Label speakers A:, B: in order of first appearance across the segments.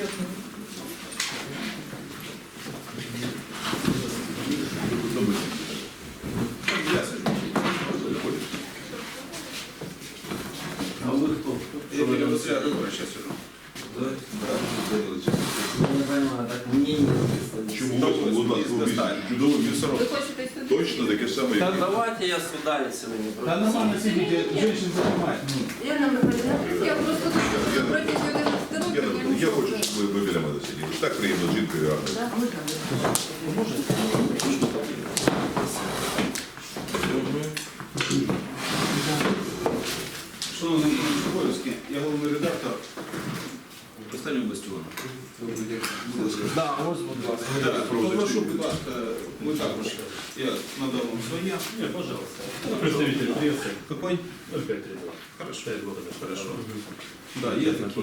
A: А вы кто?
B: Я Василя Григорьевича сейчас сижу.
A: Да? Я не понимаю, так мне не написано.
C: Чому чудово місце?
D: Ви хочете сюди?
C: Точно таке саме,
A: Да
C: як і
A: давайте я свидание сегодня
E: Да нормально сидите, женщин занимать.
D: Я нам не я просто протягом 11 років.
C: я хочу, щоб ви біля мене сиділи. Так приємно з жінкою гарно.
B: Шановний Анатолій Чубойський, я головний редактор останнього бастіону.
E: Да, ось, будь ласка.
B: Попрошу, будь ласка, ви також, я надав вам своє.
F: Нет, пожалуйста. Представитель прессы.
B: Какой?
F: 0532.
B: Хорошо.
F: 5 года.
B: Хорошо. Да, є такі.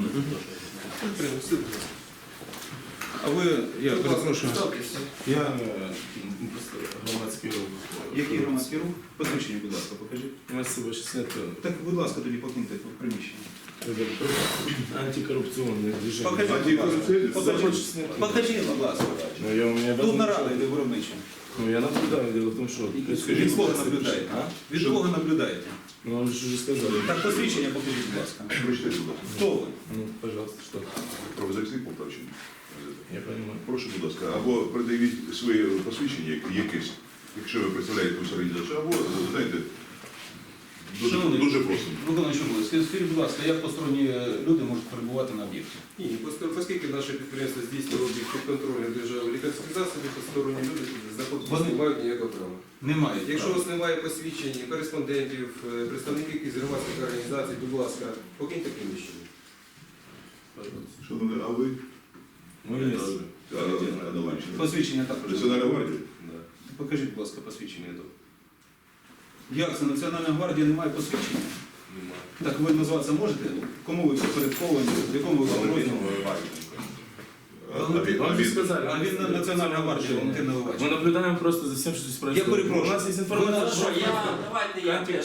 B: А ви, я перепрошую, я
E: Громадський рух.
B: який громадський рух? Посвідчення, будь ласка, покажіть.
E: Спасибо, 60.
B: Так, будь ласка, тоді покиньте приміщення.
E: Антикоррупционное движение.
B: Покажіть, будь ласка. Покажіть, будь ласка.
E: Ну, я у меня
B: Тут нарада йде виробнича.
E: Ну, я наблюдаю, дело в том, что...
B: Від кого наблюдаєте? Від кого наблюдаєте?
E: Ну, вы же уже сказали.
B: Так, посвідчення покажіть, будь ласка.
C: Прочитайте, будь ласка.
B: Хто ви?
E: Ну, пожалуйста, что?
C: Правозахисний Полтавщини.
E: Я понимаю.
C: Прошу, будь ласка, або придавіть своє посвідчення якесь, якщо ви представляєте якусь організацію, або, знаєте, дуже просимо.
B: Виконуючий обов'язки. Скажіть, будь ласка, як посторонні люди можуть перебувати на об'єкті?
G: Ні, оскільки наше підприємство здійснює облік під контролем держави лікарських засобів, посторонні люди знаходитися не мають ніякого права.
B: Немає.
G: Якщо у вас немає посвідчень, кореспондентів, представників якихось громадських організацій, будь ласка, покиньте приміщення.
C: Шановні, а ви?
E: Мы есть.
C: Аналогічно.
B: Посвідчення також.
C: Національна гвардія?
B: Покажіть, будь ласка, посвідчення. Як це? Національна гвардія не має посвідчення?
E: Немає.
B: Так ви назватися можете? Кому ви підпорядковані? В якому ви підрозділі?
E: Вам же сказали.
B: А він Національна гвардія, Валентин Наливач.
E: Мы наблюдаем просто за всем, что здесь происходит.
B: Я перепрошую.
E: У нас есть информация,
A: Хорошо,
E: что...
A: давайте я теж.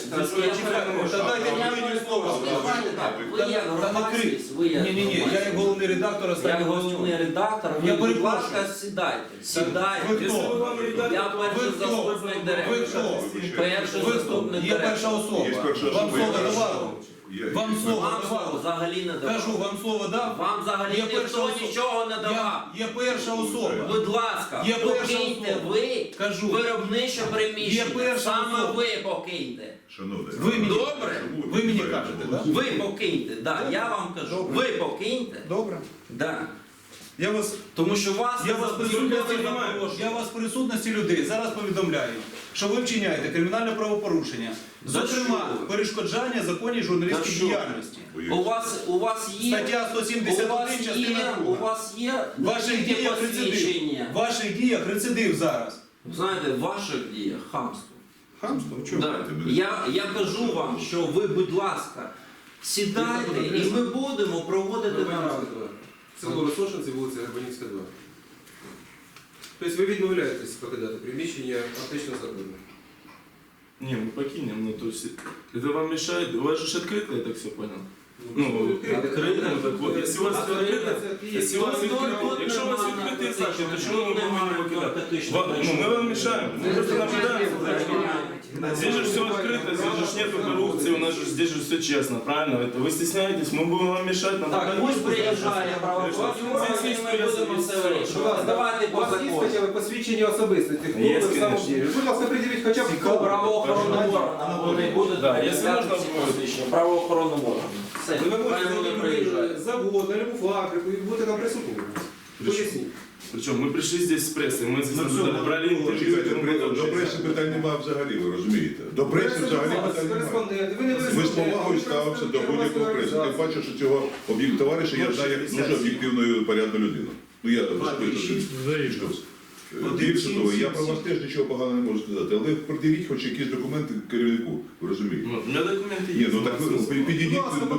B: Дайте слово.
A: Ви як громадськість, ви як
B: Ні, я як головний редактор
A: Як
B: останнього
A: головний редактор,
B: Я
A: ви, будь
B: перепрошую.
A: ласка, сідайте. Сідайте.
B: Ви хто?
A: Я перший
B: Ви хто?
A: заступник
B: Ви
A: директора.
B: хто?
A: Перший
B: Ви хто?
A: заступник
B: Є перша
A: директора.
C: Є
B: особа.
C: перша
B: Вам
C: особа,
B: слово
C: я
B: давали? Вам слово
A: Вам слово
B: давали?
A: взагалі не давав.
B: Кажу, вам слово дав?
A: Вам взагалі
B: Є перша
A: ніхто
B: особа.
A: нічого не давав.
B: Є перша особа.
A: Будь ласка,
B: Є перша
A: покиньте
B: особа.
A: ви
B: Кажу.
A: виробниче
B: Є
A: приміщення.
B: перша
A: Саме
B: особа.
A: ви покиньте.
C: Шановні.
B: Ви мені,
A: Добре?
B: ви мені кажете, так?
A: Ви покиньте, да, я вам кажу.
B: Добре.
A: Ви покиньте.
B: Добре.
A: Да.
B: Я вас
A: Тому що вас
B: Я вас присутності
A: запрошую.
B: я вас присутності людей зараз повідомляю, що ви вчиняєте кримінальне правопорушення,
A: За
B: зокрема
A: що?
B: перешкоджання законній
A: За
B: журналістській
A: що?
B: діяльності.
A: У вас є
B: Стаття 171 частина
A: у
B: 2.
A: вас є
B: В ваших
A: тільки
B: діях рецидив.
A: посвідчення.
B: В ваших діях рецидив зараз.
A: Знаєте, в ваших діях хамство.
B: Хамство? Чому?
A: Да. Я кажу вам, що ви, будь ласка, сідайте і ми будемо проводити нараду.
G: Село Росошинці, вулиця Гарбанівська, 2. Тобто ви відмовляєтесь покидати приміщення фактично законно?
E: Не, мы покинем, ну то есть... Это вам мешает? У вас же открыто, я так все понял? Ну, открыто, ну так вот, если у вас открыто, если у вас открыто, якщо у вас відкритий захід, то чому ми повинні покидати? Ну, ми вам мешаем, мы просто наблюдаем. Здесь же все открыто, здесь же нету коррупции, у нас же здесь же все честно, правильно? Это вы стесняетесь, мы будем вам мешать.
A: Так, пусть приїжджає правоохоронні органи, і ми будемо все вирішувати. Давайте
G: У
A: по
G: вас є
A: закону.
G: хоча б посвідчення особистості? Хто
E: Є,
G: ви в самому
E: конечно.
G: ділі? Будь ласка, приділіть хоча б
A: По правоохоронним органам вони будуть
E: Да, якщо можна,
A: посвідчення. Правоохоронним органам. Все,
G: Ви
A: хай вони
G: можете
A: приїжджають.
G: завод, на любу фабрику і будете там присутні. Поясніть.
E: Причем мы пришли здесь с прессой, мы здесь брали интервью.
C: Чекайте,
E: и тому
C: до
E: подобное.
C: преси питань немає взагалі, ви розумієте? До преси взагалі питань немає.
G: Кореспонденти, ви не
C: Ми з повагою ставимося до будь-якого преси. Тим паче, що цього товариша я знаю як дуже об'єктивну і порядну людину. Ну я більше того, я про вас теж нічого поганого не можу сказати, але придивіть хоч якісь документи керівнику, ви розумієте?
E: Ну, у меня документы
C: Ні,
E: есть.
C: ну так ви підійдіть до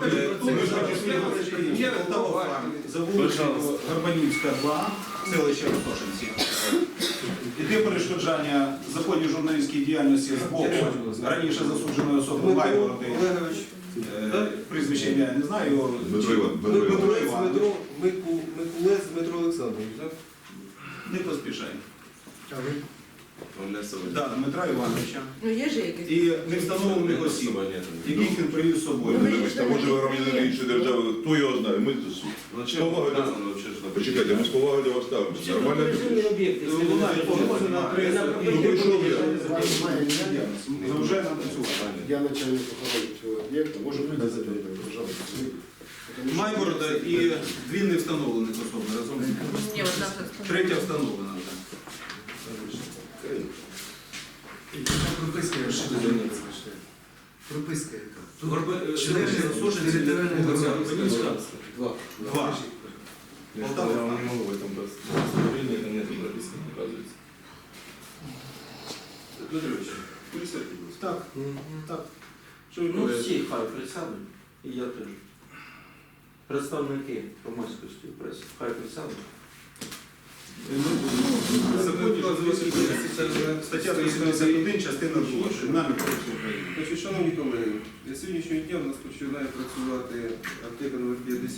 B: Є за вулицею Гарбанівська, 2, селище Росошинці. Іде перешкоджання законній журналістській діяльності з боку раніше засудженої особи Лайвороди. Прізвище ім'я я не знаю, його
C: Дмитро Іван- Дмитро Іванович.
B: Дмитро Іванович.
G: Микулець Дмитро Олександрович, так?
B: Не поспішай.
E: Он для собою.
B: Так, Дмитра Івановича.
D: Ну є ж якісь.
B: І невстановлених осіб, яких він привів з собою.
C: Ну, вибачте, а може ви громадянин іншої держави, хто його знає? Ми
E: Ну,
C: з
E: чим
C: повагою до...
E: вказано вообще, що
C: Почекайте, ми з повагою до вас ставимося. Нормально?
B: Вона погоджена на адресу.
C: Ну, прийшов я.
B: Заважає нам працювати.
H: Я начальник охорони цього об'єкта, можу показати, пожалуйста.
B: Майборода і дві невстановлених особи разом.
D: Ні, от там щось.
B: Третя встановлена вже.
I: Прописка, що ти займаєшся? Прописка яка?
B: Члени
I: Територіального
B: Горбанівська.
I: Два.
B: Два.
E: Я вам не могу в этом просто. Удостоверение это нет прописано, оказывается.
G: Дмитрович, присядьте, будь ласка.
B: Так, так.
G: Що ви
A: Ну
G: говорите?
A: всі хай присядуть, і я теж. Представники громадськості преси, хай присядуть.
B: Законі про стаття 351, частина 2. Кримінального кодексу України.
G: Значить, шановні колеги, з сьогоднішнього дня в нас починає працювати аптека номер 50.